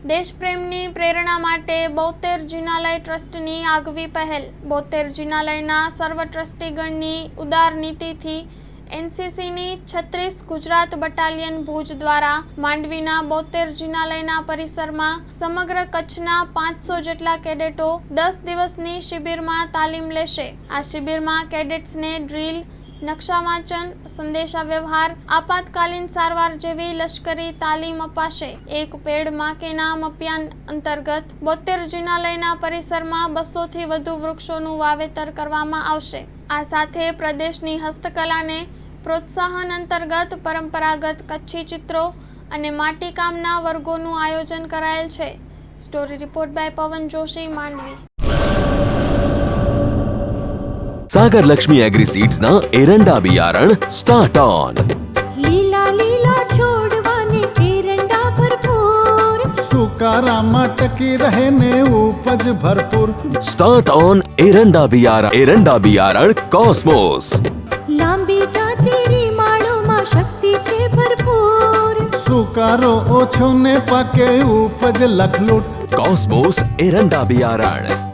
દેશપ્રેમની પ્રેરણા માટે બોતેર જિનાલય ટ્રસ્ટની આગવી પહેલ। બોતેર જિનાલયના સર્વ ટ્રસ્ટીગણની ઉદાર નીતિથી એનસીસીની 36 ગુજરાત બટાલિયન ભુજ દ્વારા માંડવીના બોતેર જિનાલયના પરિસરમાં સમગ્ર કચ્છના 500 જેટલા કેડેટો 10 દિવસની શિબિરમાં તાલીમ લેશે। આ શિબિરમાં કેડેટ્સને ડ્રીલ, નકશા વાંચન, સંદેશા વ્યવહાર, આપાતકાલીન સારવાર જેવી લશ્કરી તાલીમ અપાશે। એક પેડ માં કે નામ અભિયાન અંતર્ગત બોતેર જિનાલયના પરિસરમાં 200 થી વધુ વૃક્ષોનું વાવેતર કરવામાં આવશે। આ સાથે પ્રદેશની હસ્તકલાને પ્રોત્સાહન અંતર્ગત પરંપરાગત કચ્છી ચિત્રો અને માટીકામના વર્ગોનું આયોજન કરાયેલ છે। Story report by Pavan Joshi, Mandvi. Sagar Lakshmi agri seeds ना एरंडा बियारण स्टार्ट ऑन। लीला लीला छोड़वाने एरंडा भरपूर, सुकारामा टकी रहे ने उपज भरपूर। स्टार्ट ऑन एरंडा बियारण कॉस्मोस। लांबी जाचेरी माळो में शक्ति छे भरपूर, सुकारो ओछो ने पाके उपज लखलूट। कॉस्मोस एरंडा बियारण।